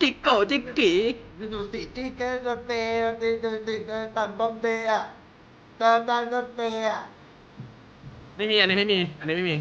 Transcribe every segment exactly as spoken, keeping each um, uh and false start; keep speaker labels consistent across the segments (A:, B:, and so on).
A: จิกโกจิกกี
B: ดูสิที่เกิดรถเมย์ดูดูดูตันบอมเบย์อ่ะตันตันรถเมย์อ่ะ
A: ไม่มีอันนี้ไม่มีอันนี้ไม่มี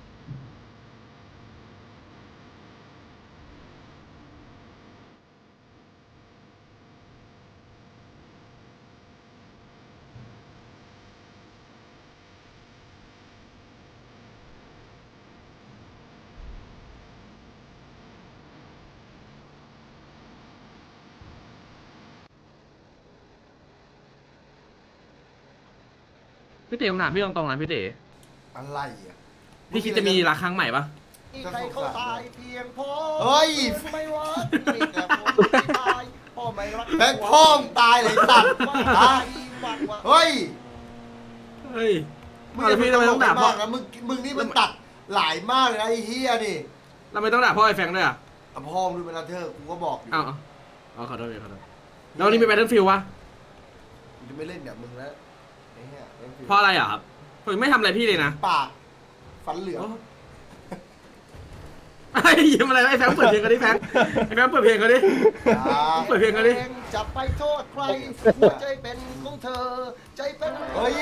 A: พี่เต๋อผมถามพี่ตรงๆนะพี่เต๋อ
B: อะไรอ่ะ
A: พี่คิดจะมีรักครั้งใหม่ปะ
B: ใครเขาตายเพียงพอเฮ้ยไม่ว่ามีแต่ผมตายพ่อไม่รักแบงค์พ่อมตายเลยสัตว์เฮ้ย
A: เฮ้ย
B: มึง
A: เอาแล้วพี่ทำไมต้องด่าพ่อ
B: นะมึงมึงนี่มันตัดหลายมากเลยนะไอ้เฮียนี่
A: ทำไมต้องด่าพ่อไอ้แฟงด้วยอ่ะ
B: อ่ะพ่อมึงดูเป็นลาเธอร์กูก็บอกอยู่
A: เอาเอาเอาขอโทษพี่ขอโทษแล้ววันนี้มีแบทเทิลฟิลวะ
B: กูจะไม่เล่นแบบมึงแล้วไอ้เหี้ย
A: เพราะอะไรอ่ะครับผมไม่ทำอะไรพี่เลยนะ
B: ปากฟันเหลือง
A: ไอ้ยิ้มอะไรไอ้แฟงเปิดเพลงกันดิแฟงไอ้แฟงเปิดเพลงกันดิ เปิดเพลงกันดิ
B: จะไปโทษใครหัวใจเป็นของเธอใจเป็นเฮ้ย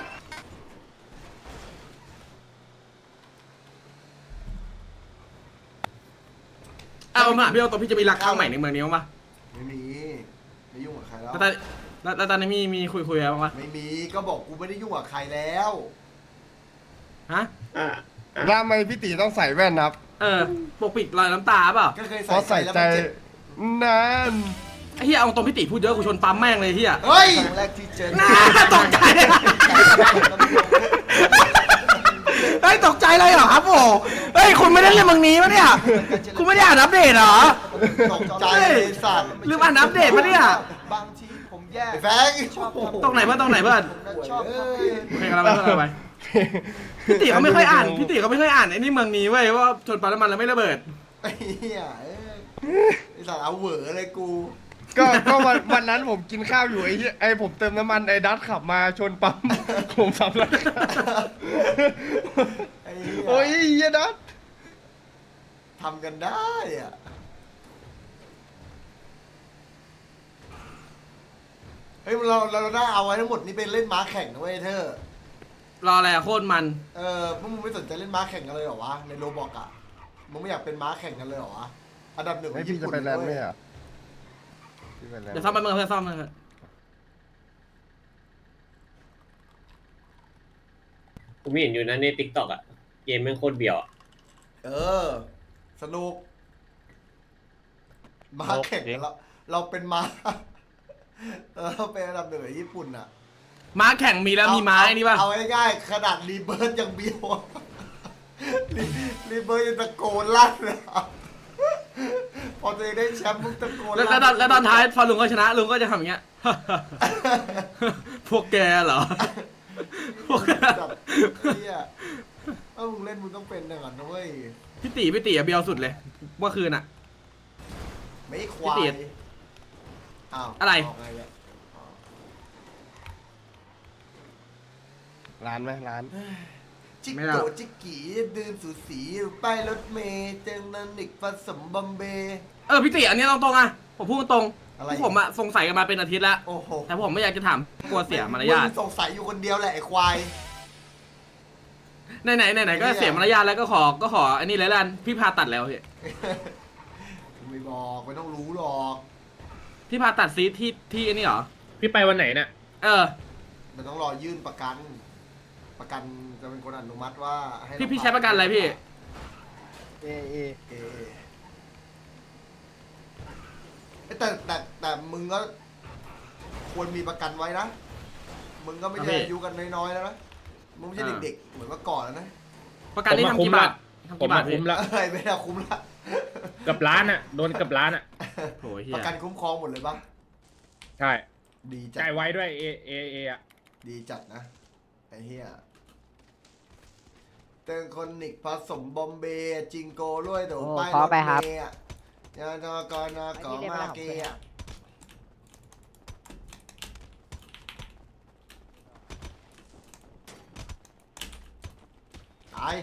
A: เอามาพี่เอาตัวพี่จะมีรักครั้งใหม่ในเมืองนี้มั้งปะ
B: ไม่มีไม่ยุ่งกับใครแล้ว
A: แล้วตอนแล้วแล้วตอนนี้มีมีคุยคุยอะไรบ้างปะ
B: ไม่มีก็บอกกูไม่ได้ยุ่งกับใครแล้ว
A: ฮะ
C: ทำไมพี่ตีต้องใส่แว่นครับ
A: เออปกปิดรอยน้ำตาเปล่า
B: ก็เคย
C: เพราะ
B: ใส่
C: ใส่
B: แล้ว
C: ใจ
B: มันเจ็บ
C: นาน
A: ไอ้เหี้ยเอาตรงพี่ติพูดเยอะกูชนปั๊มแม่งเลยเหี้ย
B: เฮ้ยครั้งแรกที่เจอ
A: น่าตกใจเฮ้ยตกใจเลยเหรอครับโอ้เฮ้ยคุณไม่ได้เล่นเมืองนี้ปะเนี่ยคุณไม่ได้อ่านอัปเดตเหรอ
B: ตกใจเลยสัตว์
A: ลืมอ่านอัปเดตปะเนี่ย
D: บางทีผมแย่
B: ไอ้แฟง
A: ตรงไหนเพื่อนตรงไหนเพื่อน
D: ชอบ
B: เอ้ย
A: โอเคกันเราไปเพื่อนเราไปพี่ติเขาไม่ค่อยอ่านพี่ติเขาไม่ค่อยอ่านไอ้นี่เมืองนี้เว้ยว่าชนปั๊มน้ำมันแล้วไม่ระเบิด
B: ไอ้เหี้ยเอ้ยไอ้สัตว์เอาเหวอเลยกู
C: ก็ก็วันวันนั้นผมกินข้าวอยู่ไอ้เหี้ยไอ้ผมเติมน้ำมันไอ้ดัตขับมาชนปั๊ม ผมสับแล้ว
B: ไอ้เหี้ย
C: โอ้ยไอ้เหี้ยดัต
B: ทำกันได้อะเฮ้ยเราเราได้เอาไว้ทั้งหมดนี่เป็นเล่นม้าแข่งนะเว้ยเธอ
A: รออะไรอะโคตรมัน
B: เออพวกมึงไม่สนใจเล่นม้าแข่งกันเลยเหรอวะในโรบอกอะมึงไม่อยากเป็นม้าแข่งกันเลยเหรอวะอันดับหนึ่งข
C: ไอ้
B: อง
C: พี่
B: ญี่
C: จะ
B: ปุ่น
C: ไปแลนด์ไหม
B: เว้ย
C: อ่ะพี่ไปแลนด์
A: เดี๋ยวซ่อมไปเมืองเพื่อนซ่อมเลย
E: ผมเห็นอยู่นะในติ๊กต็อกอะเกมแม่งโคตรเบียวอะ
B: เออ สนุกม้าแข่งกันแล้วเราเป็นม้า เราเป็นอันดับหนึ่งของญี่ปุ่นอะ
A: ม้าแข่งมีแล้วมีม้าไอ้นี่ป่ะ
B: เอาง่ายๆขนาดรีเบิร์ดยังเบี้ยวอะ รีรีเบิร์ดยังตะโกนลั่นเลยอะพอตัวเองได้แชมป์มึงตะโกน
A: แล้ว
B: ลั่น
A: แล้วตอนแล้วตอนท้ายพอลุงก็ชนะลุงก็จะทำอย่างเงี้ย พวกแกเหรอ พวกแก
B: แบบเฮียเออมึงเล่นมึงต้องเป็นอย่างนั้นนะเว้ย
A: พี่ตีพี่ตีอะเบียวสุดเลยเมื่อคืนอะ
B: ไม่ควา
A: พี่
B: ย
A: ติด
B: อ้าว
A: อะไร
B: เาไงเนี่ย
C: ร้านไหมร้าน
B: จิก
A: ไม่
B: โก
A: เอา
B: จิกกี้ดื่มสูสีป้ายรถเมย์เจงนันนิกผสมบอมเบย์
A: เออพี่ตีอันนี้ตรงๆอะผมพูดตรง
B: อะไร
A: พวกผมอะสงสัยกันมาเป็นอาทิตย์แล้ว
B: โอ้โห
A: แต่ผมไม่อยากจะถามกลัวเสียมารยาท
B: งสงสัยอยู่คนเดียวแหละไอ้ควาย
A: ไหนไหนไหนไหนก็เสียมารยาทแล้วก็ขอก็ขออันนี้เลยละกันพี่พาตัดแล้วพี่
B: ไม่บอกไม่ต้องรู้หรอก
A: พี่พาตัดซีทที่ที่อันนี้เหรอ
E: พี่ไปวันไหนเนี่ย
A: เออ
B: มันต้องรอยื่นประกัน ประกันจะเป็นคนอนุมัติว่าให้
A: พี่
B: เรา
A: พี่ใช้ประกันอะไรพี่
C: เอเอ
B: เออแต่แต่แต่มึงก็ควรมีประกันไว้นะ มึงก็ไม่
A: ครับ
B: ใช่
A: พี่
B: อายุกันน้อยๆแล้วนะ มึงไม่ใช่
A: อ่า
B: เด็กๆ เหมือนเมื่อก่อนแล้วนะ
A: ประกันนี่
E: ผม
A: ทำ
E: มา
A: กี่บาท
E: คุ้มละ
A: ทำกี่บาทพี่
E: ผมมาคุ้มละ
B: เอ้ยไม่ได้คุ้มละ
E: กับร้านอะโดนกับร้านอะ
A: โอ้ยเฮี
B: ป
A: ย
B: ระกันคุ้มครองหมดเลยปะ
E: ใช่
B: ดีจัด
E: จ่ายไว้ด้วยเอเอเออะ
B: ดีจัดนะ ไอ้เหี้ยเติงคนนิกผสมบอมเบย์จิงโก้ด้วยเดี๋ยว
F: โอ้
B: ป้าย
F: ขอไปครับ
B: ถเมย์อะยานกรนกมาเกย์อะตาย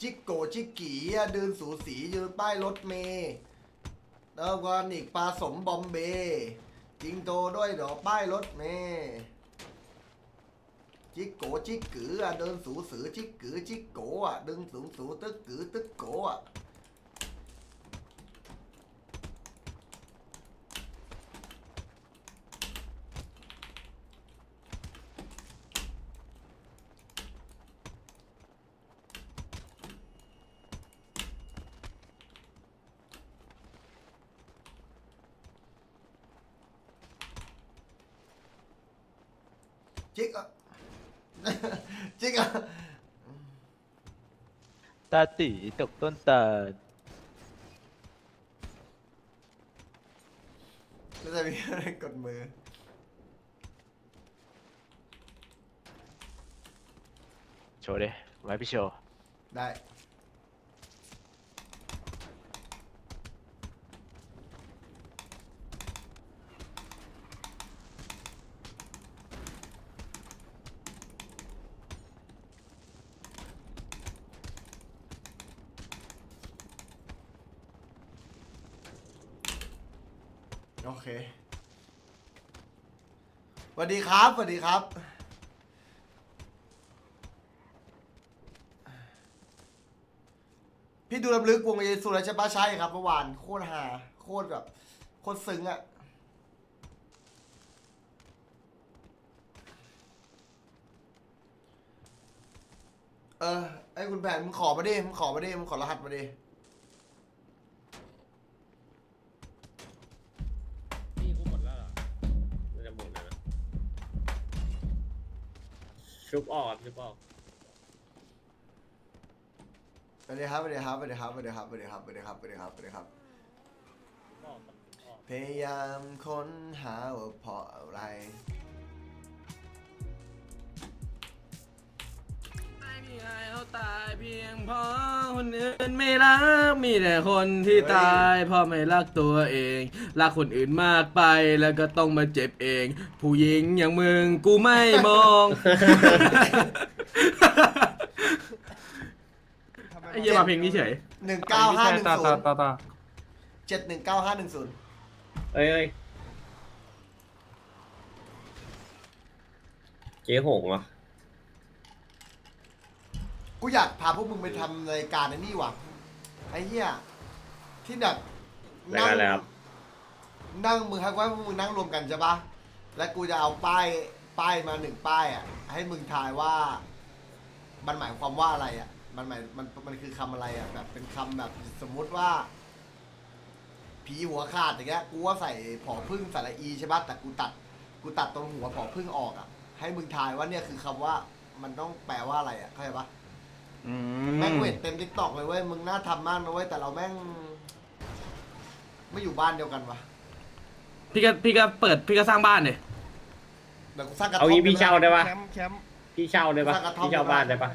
B: จิกโกจิกกีอะเดินสูสียืนป้ายรถเมย์แล้วก็นิกปลาสมบอมเบย์จิงโตด้วยดอกป้ายรถเมย์จิกโกจิกกืออะเดินสูสือจิกกือจิกโกอะเดินสูงสูตึกกือตึกโกอะจิกอะ จิกอะ
D: ตาตีตกต้นตาล
B: ก็จะมีอะไรกดมือ
D: โชว์ดิไว้พี่โชว์
B: ได้ โอเคสวัสดีครับสวัสดีครับ พี่ดูลำลึกวงเยซูแล้วใช่ปะใช่ครับเมื่อวานโคตรฮาโคตรแบบโคตรซึ้งอะเออไอ้คุณแผนมึงขอมาดิมึงขอมาดิมึงขอรหัสมาดิ
E: พี่กูหมดแล้วเหรอไม่จะหมดแล้วนะชุบออกครับชุบออก
B: สวัสดีครับสวัสดีครับสวัสดีครับสวัสดีครับสวัสดีครับสวัสดีครับสวัสดีครับสวัสดีครับ
E: ชุบออกครับชุบออก
B: พยายามค้นหาว่าเพราะอะไร
A: ไม่มีใครเขาตายเพียงเพราะคนอื่นไม่รักมีแต่คนที่ตายเพราะไม่รักตัวเองรักคนอื่นมากไปแล้วก็ต้องมาเจ็บเอง ผู้หญิงอย่างมึงกูไม่มอง ไอ้เหี้ยมาเพลงนี้เฉย
B: หนึ่งเก้าห้าหนึ่ง
A: ต่อ
B: ศู
A: ต่อน
B: ย์
A: ต่อต่อ
B: เจ็ดหนึ่งเก้าห้าหนึ่งศูนย์
E: เอ้ยเอ้ยเจ๊หงเหรอ
B: กูอยากพาพวกมึงไปทำรายการไอ้นี่ว่ะไอ้เหี้ยที่แบบ
E: รายการอะไรครับ
B: นั่งมึงให้ว่าพวกมึงนั่งรวมกันใช่ปะแล้วกูจะเอาป้ายป้ายมาหนึ่งป้ายอ่ะให้มึงทายว่า มันหมายความว่าอะไรอ่ะ มันหมายมันมันคือคำอะไรอ่ะแบบเป็นคำแบบสมมุติว่า ผีหัวขาดอย่างเงี้ยกูว่าใส่ผอพึ่งสระอีใช่ปะแต่กูตัดกูตัดตรงหัวผอพึ่งออกอ่ะ ให้มึงทายว่าเนี่ยคือคำว่ามันต้องแปลว่าอะไรอ่ะเข้าใจปะ
A: อื
B: แม่ง
A: ม
B: เวทเต็มทิกตอกเลยเว้ยมึงน่าทำมากนะเว้ยแต่เราแม่ง ไม่อยู่บ้านเดียวกันวะ
A: พี่ก็พี่ก็เปิดพี่ก็สร้างบ้านเลย
B: เดี๋ยวกูสร้างกระท่
E: เอา
B: อม
E: งี้พี่เช่าได้ปะ
C: แคมป์แคมป์
E: พี่เช่าได้ปะพี่เช่าบ้านได้ปะ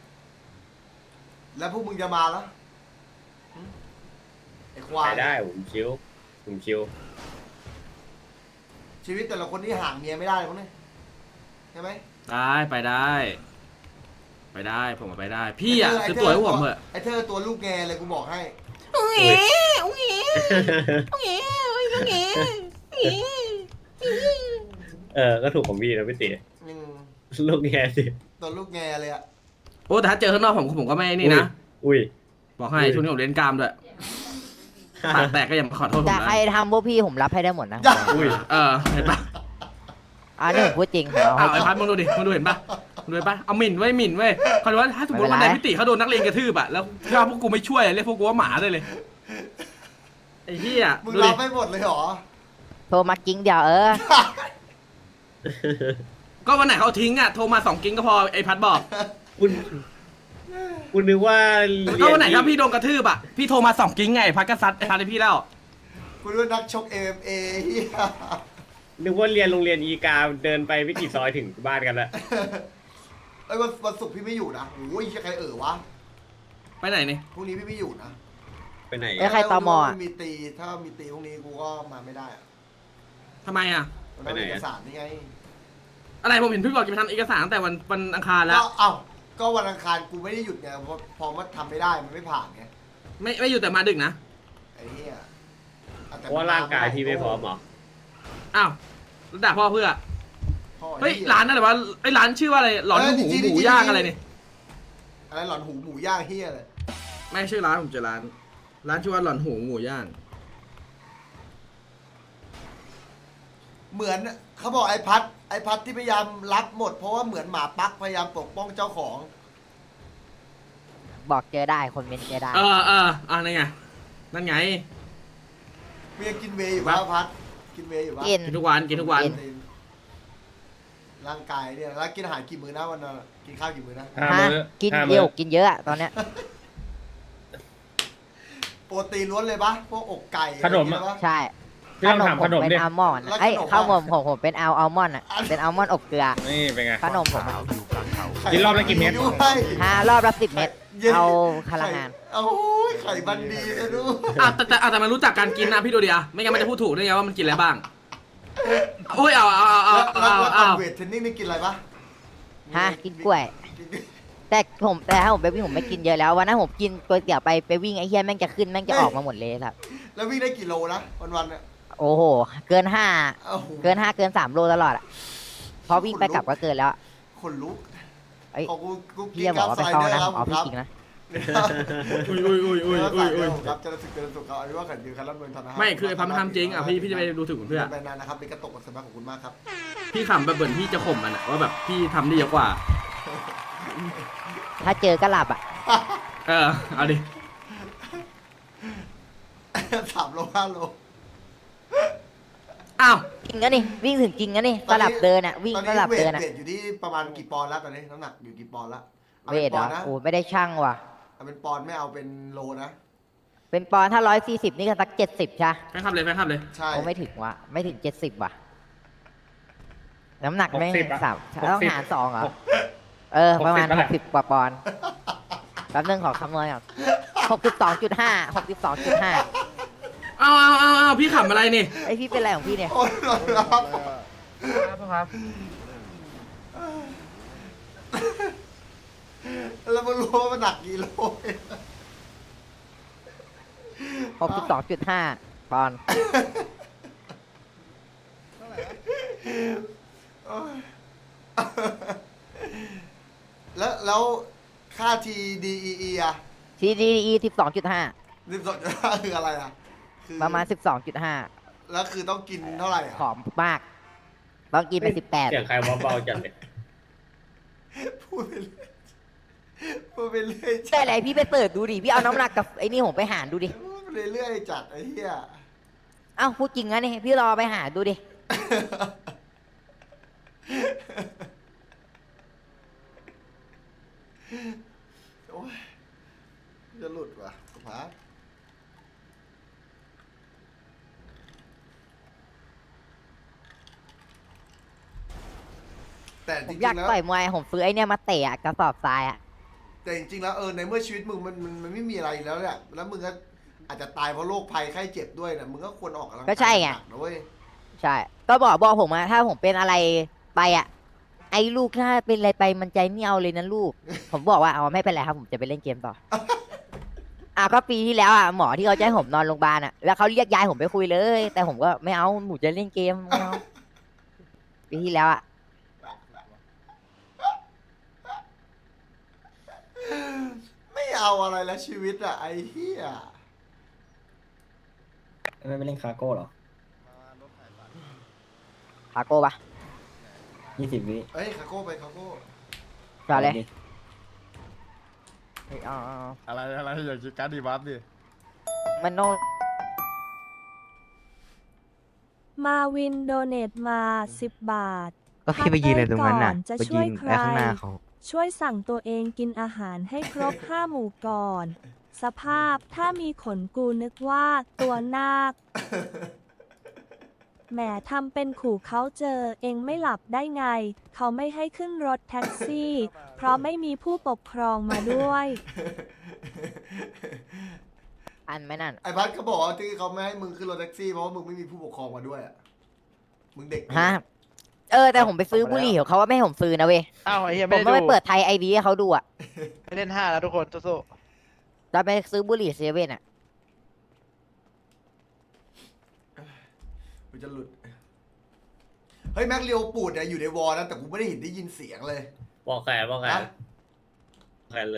B: แล้วพวกมึงจะมาแล้วหึไอ้ควา
E: ไป
B: ย
E: ได้ผมชิวผมชิว
B: ชีวิตแต่ละคนที่ห่างเมียไม่ได้เลยมั้งเนี่ยใช่ไหม
A: ได้ไปได้ ไปได้ผมไปได้ พี่อ่ะซื้อตั๋วให้ผมเถอะ
B: ไอ้เธอตัวลูกแงเลยกูบอกให้
A: อุ้ยอุ้ยอุ้ยอุ้ย
E: เออก็ถูกของพี่นะพี่ติ
B: อืม
E: ลูกแง่สิ
B: ตัวลูกแงเลยอะ
A: โอ้แต่ถ้าเจอข้างนอกผมผมก็ไม่นี่นะ
E: อุ้ย
A: บอกให้ช่วงนี้ผมเล่นกล้ามด้วยปากแตกก็อย่ามาขอโทษผม
F: แต่
A: นะ
F: ใครทำพวกพี่ผมรับให้ได้หมดนะ
E: อุ้ย
A: เออเห็นปะ
F: อ่านี่ผมพูดจริงผมเอา
A: อ้าวไอ้
F: ให้
A: พัดมึงดูดิมึงดูเห็นปะมึงดูเห็นปะเอาหมิ่นไว้หมิ่นไว้เขาบอกว่าถ้าสมมติวันไหนพิติเขาโดนนักเลงกระทืบอะแล้วถ้าพวกกูไม่ช่วยเรียกพวกกูว่าหมาได้เลยไอ้เหี้ย
B: มึง
A: ดู
B: รั
A: ดิ
B: บไม่หมดเลยเหรอ
F: โทรมากิ้งเดียวเออ
A: ก็วันไหนเขาทิ้งอะโทรมาสองกิ้งก็พอไอ้พัดบอก
E: คุณคุณนึกว่า
A: ก็วันไหนถ้าพี่โดนกระทืบอะพี่โทรมาสองกิ้งไงพัดก็ซัดไอ้พัดให้พี่แล้ว
B: กูด้วยนักชก เอ็ม เอ็ม เอ เฮีย
E: นึกว่าเรียนโรงเรียนอีกาเดินไปไม่กี่ซอยถึงบ้านกันแล้ว
B: ไอ้ยวันวันศุกร์พี่ไม่อยู่นะโอ้ยใครเอ่อวะ
A: ไปไหนนี่
B: พรุ่งนี้พี่ไม่อยู่นะ
E: ไปไหน
F: เอ้ยใครตมอ่ะ
B: มีตีถ้ามีตีพรุ่งนี้กูก็มาไม่ได้อะ
A: ทำไมอะ
B: มันต้องมีเอกสารนี่ไง
A: อะไรผมเห็นพี่บอกจะไปทำเอกสารตั้งแต่วันวันอังคารแล้ว
B: ก็เอ้าก็วันอังคารกูไม่ได้หยุดไงเพราะพอมันทำไม่ได้มันไม่ผ่านไง
A: ไม่ไม่อยู่แต่มาดึกนะ
B: ไอ้เหี้ยอแต่
E: เพราะว่าร่างกายพี่ไม่พร้อมเหรอ
A: อ้าวแล้วด่าพ่อเพื่อ
B: พ่อ
A: เฮ้ย
B: ไอ้หี้
A: ร้านนั่นแหละวะไอ้ร้านชื่อว่าอะไรหลอน
B: เออ
A: หมู
B: จริงๆ
A: หมู
B: จริงๆ
A: ย่างอะไรเนี่ย
B: อะไรหลอนหูหมูย่างเหี้ยเลย
A: ไม่ชื่อร้านผมเจอร้าน ร้านชื่อว่าหลอนหูหมูย่าง
B: เหมือนเขาบอกไอ้พัดไอ้พัดที่พยายามรับหมดเพราะว่าเหมือนหมาปักพยายามปกป้องเจ้าของ
F: บอกเจอได้คนเมนเจอได้
A: เออเอออ่านั่นไงนั่นไง
B: เมียกินเวย์อยู่ปะพัดกินเวย์อยู่ปะ
F: กิน
A: กินทุกวันกินทุกวัน
F: กิน
B: ร่างกายเนี่ยแล้วกินอาหารกี่มื้อนะวันนั้นกินข้าวกี่มื้อนะ
C: ห้า
F: ฮะ
C: มื้อ
F: กิน
C: ห้า
F: เย
C: มื้อ
F: อะกินเยอะอะตอนเนี้ย
B: โปรตีนล้วนเลยปะพวกอกไก่
C: ขนม
B: อะไร
C: อะ
B: อย่างเงี้ยปะ
F: ใช่
C: พี่ต้องถาม
F: ผ
C: ขนม
F: เป็น
C: ดิ
F: อัลมอนด์
B: แล้ว
F: ไอ้ย
B: ขนม
F: ข้าวผม
B: อะ
F: ผมผมเป็นอัลอัลมอนด์อ่ะเป็นอัลมอนด์อบเกลือ
C: นี่เป็นไง
F: ขนมผมอะ
C: กินรอบละกี่เม็ด
B: ด้วย
F: ห้ารอบละสิบเม็ด
B: เย็น
F: เอาพลังงาน
B: โอ้ยไข่บันดีนะดู
A: อ่ะแต่แต่อ่ะแต่มันรู้จักการกินนะพี่ดูดิอ่ะไม่งั้นมันจะพูดถูกได้ไงว่ามันกินอะไรบ้างโอ้ยเอาเอาเอาเอา
B: แล้ว
A: เอา
B: แล้วก่อ
A: เอา
B: นเวทเทรนนิ่งนี่กินอะไรปะ
F: ฮะกินกล้วย
B: กิน
F: แต่ผมแต่ถ้าผมไปวิ่งผมไม่กินเยอะแล้ววันนั้นผมกินก๋วยเตี๋ยวไปไปวิ่งไอ้เหี้ยแม่งจะขึ้นแม่งจะออกมาหมดเลยครับ
B: แล้ววิ่งได้กี่โลนะวันๆเนี่ย
F: โอ้โห เกินห้า
B: โอ้โห
F: เกินห้าเกินสามโลตลอดอ่ะพอวิ่งไปกลับก็เกินแล้วอะ
B: คนลุก
F: ไอ้ย
B: ของกูกูกิ
F: เหี้ย
B: น
F: บ
B: กั
F: อบ กว่า
B: ไซ
F: ไป
B: เด
F: เข้า
B: อร์
F: นะครับ
B: ครับ
F: อ๋อพี่จริงนะ
A: อุ้ยอุ้ยอุ้ยอุ้ยอุ้ยอุ้ย
B: ครับจะรู้สึกจะรู้สึกเขาอันนี้ว่าขันยืนคันรับเงินธนาคาร
A: ไม่คือไอ้พันมันทำจริงอ่ะพี่พี่จะไปดูถูกเพื่อ
B: ไปนานนะครับเป็นกระตกกับสมัครของคุณมากครับ
A: พี่ขำแบบเหมือนพี่จะข่มมันอ่ะว่าแบบพี่ทำได้เยอะกว่า
F: ถ้าเจอก็หลับอ่ะ
A: เออเอาดิ
B: สามโลห้าโล
A: อ้าว
F: จริงนะนี่วิ่งถึงจริงนะนี่สลับเดินอ่ะวิ่ง
B: ตอน
F: ส
B: นี้
F: ลับ
B: เวท
F: เดินอ่ะ
B: เวทอยู่ที่ประมาณกี่ปอนด์แล้วตอนนี้น้ำหนักอยู่กี่ปอนด์แล้วอา
F: เว
B: ป็น
F: ทเหร
B: ป
F: อ
B: อนด์นะ
F: โอ้ไม่ได้ช่างว่ะ
B: เอาเป็นปอนด์ไม่เอาเป็นโลนะ
F: เป็นปอนด์ถ้าร้อยสี่สิบนี่ก็สักเจ็ดสิบใช่
A: แฟนคลับเลยแฟนคลับเลย
B: ใช่
F: โอ้ไม่ถึงว่ะไม่ถึงเจ็ดสิบว่ะน้ำหนักไม่
C: หกสิบอะ
F: สาม
C: หกสิบ
F: ต้องหารสองเหรอเออประมาณ
C: หกสิบนั่น
F: ห
C: แหละ
F: กสิบกว่าปอนด์แป๊บนึงขอคำนวณก่อนหกสิบสองจุดห้าหกสิบสองจุดห้า
A: เอาเอาเอาเอาพี่ขำอะไรนี่
F: ไอพี่เป็นอะไรของพี่เนี่ย
B: โอ้ยหลอนรับ
C: ครับ
B: แล้วมันรู้ว่ามันหนักกี่โล
F: หกสิบสองจุดห้าปอนด์
B: โอ้ยแล้วแล้วค่า ที ดี อี อี อ่ะ
F: ทีดีอีสิบสองจุดห้า
B: สิบสองจุดห้าคืออะไรอ่ะคือ
F: ประมาณสิบสองจุดห้า
B: แล้วคือต้องกินเท่าไหร่อ่ะ
F: ผอมมากต้องกินไปสิบแปด
E: เสียงใครเบาๆจังเลย
B: พูดไปเรื่อยพูดไปเรื่อย
F: แต่อะไรพี่ไปเปิดดูดิพี่เอาน้ำหนักกับไอ้นี่ผมไปหารดูดิ
B: พูดไปเรื่อยจัดไอ้เหี้ย
F: เอ้าพูดจริงนะนี่พี่รอไปหาดูดิ
B: โอ้ยจะหลุดว่ะสุภาพแต่
F: ผ
B: จ
F: ม
B: ริ
F: อยาก
B: งๆแล้ว
F: ต่อยมวยผมซื้อไอ้เนี่ยมาเตะอะกระสอบทรายอะ
B: แต่จริงๆแล้วเออในเมื่อชีวิตมึงมันมันมันไม่มีอะไรอยู่แล้วเนี่ยแล้วมึงก็อาจจะตายเพราะโรคภัยไข้เจ็บด้วยนะมึงก็ควรออกกำลังกาย
F: ก็ใช่ไง
B: หนักนะเว้ย
F: ใช่ ก็บอกบอกผมอะถ้าผมเป็นอะไรไปอะไอ้ลูกถ้าเป็นอะไรไปมันใจไม่เอาเลยนะลูก ผมบอกว่าเอาไม่เป็นไรครับผมจะไปเล่นเกมต่อ อ่ะก็ปีที่แล้วอ่ะหมอที่เขาจะให้ผมนอนโรงพยาบาลอ่ะแล้วเขาเรียกยายผมไปคุยเลย แต่ผมก็ไม่เอาหนูจะเล่นเกมไม่เอาปีที่แล้วอ่ะ
B: ไม่เอาอะไรแล้วชีวิตอะไอ้เหี้ย
G: ไม่ไปเล่นคาโก้เหรอ
F: พาโก้ปะ
G: ยี่สิบวิ
B: เอ้ยคาโก้ไปคาโก้
F: ต่อเลย
G: ดิ
F: เฮ้ยเอาเอาเอา
C: อะไรอะไรอย่าคิดการดีบัฟดิ
F: มันโน่น
H: มาวินโดเนตมาสิบบาท
I: ก็พี่ไปยืนอะไรตรงนั้นน่ะ
H: จะ
I: ไป
H: ช่
I: ยื
H: วย
I: น
H: ใคร
I: ไว้ข้างหน้าเขา
H: ช่วยสั่งตัวเองกินอาหารให้ครบ ห้าหมู่ก่อน สภาพถ้ามีขนกูนึกว่าตัวนาค แหมทำเป็นขู่เขาเจอเองไม่หลับได้ไง เขาไม่ให้ขึ้นรถแท็กซี่ เพราะไม่มีผู้ปกครองมาด้วย
F: อันไหม่นั่น
B: ไอ้พัดเขาบอกว่าที่เขาไม่ให้มึงขึ้นรถแท็กซี่เพราะว่ามึงไม่มีผู้ปกครองมาด้วยอะมึงเด็ก
F: ฮะเออแต่ผมไปซื้อบุหรี่ของเขาว่าไม่ให้ผมซื้อนะเว้ย
D: อ้าวไอ้เหี้ย
F: ผ
D: ไม่
F: ม
D: ได้
F: ต้องไป
D: ดู
F: เปิดไทยไอดีให้เขาดูอ่ะ
D: ไม่เล่นห้าแล้วทุกคนสู้
F: เราไปซื้อบุหรี่เซเว่นอ่ะ
B: กูจะหลุดเฮ้ยแม็กเรียวปูดเนี่ยอยู่ในวอลนะแต่กูไม่ได้เห็นได้ยินเสียงเลย
E: บอกแขนบอกแขน
B: ฮะ
E: แขนเลย